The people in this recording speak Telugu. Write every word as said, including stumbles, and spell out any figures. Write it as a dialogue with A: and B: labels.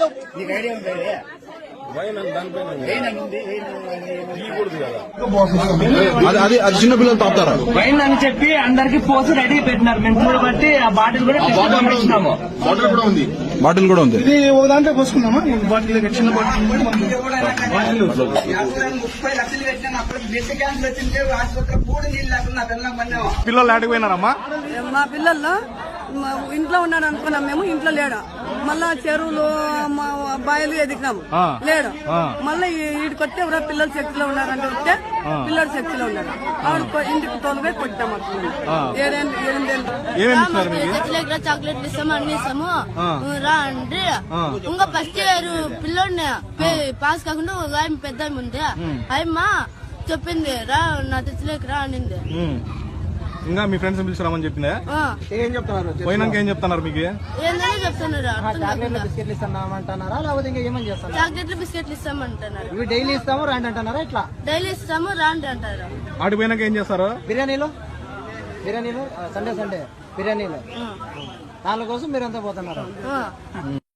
A: నీకు ఐడియా ఉంటుంది
B: అది అది చిన్న పిల్లలు తాపుతారా
C: వైన్ అని చెప్పి అందరికి పోసి రెడీ పెట్టినారు. మేము చూడబట్టి ఆ బాటిల్ కూడా పంపించినాము.
B: బాటిల్ కూడా ఉంది బాటిల్ కూడా ఉంది
A: ఇది ఒక దాంట్లో పోసుకున్నామా బాటిల్ చిన్న బాటిల్
D: ముప్పై లక్షలు పెట్టినా అప్పుడు బ్లడ్ క్యాన్సర్ వచ్చింది ఆసుపత్రి కూడా నీళ్ళు లేకుండా పిల్లలు
B: పిల్లలు ఆడిపోయినారమ్మా
E: మా పిల్లల్లో ఇంట్లో ఉన్నాడు అనుకున్నాం మేము. ఇంట్లో లేడు. మళ్ళా చెరువులు బాయలు ఎదిగినాము లేడు. మళ్ళీ వీడికి వస్తే ఎవరో పిల్లలు శక్తిలో ఉన్నారంటే వస్తే పిల్లలు శక్తిలో ఉన్నారు. ఆవిడ ఇంటికి తోలుగా కొట్టాము. ఏడేళ్ళు ఎనిమిదేళ్ళు
F: చాక్లెట్లు ఇస్తాము అన్ని ఇస్తాము రా అంటే ఇంకా ఫస్ట్ ఇయర్ పిల్లోడిని పాస్ కాకుండా ఒక ఆయన పెద్ద ఉంది అయ్యమ్మ చెప్పింది రా నా తెచ్చలేక రా అనింది.
B: ఇంకా మీ ఫ్రెండ్స్ పిలిచిరామని చెప్పిందా?
A: ఏం చెప్తున్నారు?
B: పోయినాక ఏం చెప్తున్నారు మీకు?
F: ఏందని చెప్తున్నారు.
A: చాక్లెట్లు బిస్కెట్లు ఇస్తామంటున్నారా లేకపోతే ఇంకా ఏమని చేస్తారు?
F: చాక్లెట్లు బిస్కెట్లు ఇస్తామంటున్నారు.
A: ఇవి డైలీ ఇస్తాము రాండి అంటున్నారా? ఇట్లా
F: డైలీ ఇస్తాము రాండి అంటారు.
B: ఆడిపోయినాక ఏం చేస్తారు?
A: బిర్యానీలు బిర్యానీలు సండే సండే బిర్యానీలు దానికోసం మీరు ఎంత పోతున్నారు?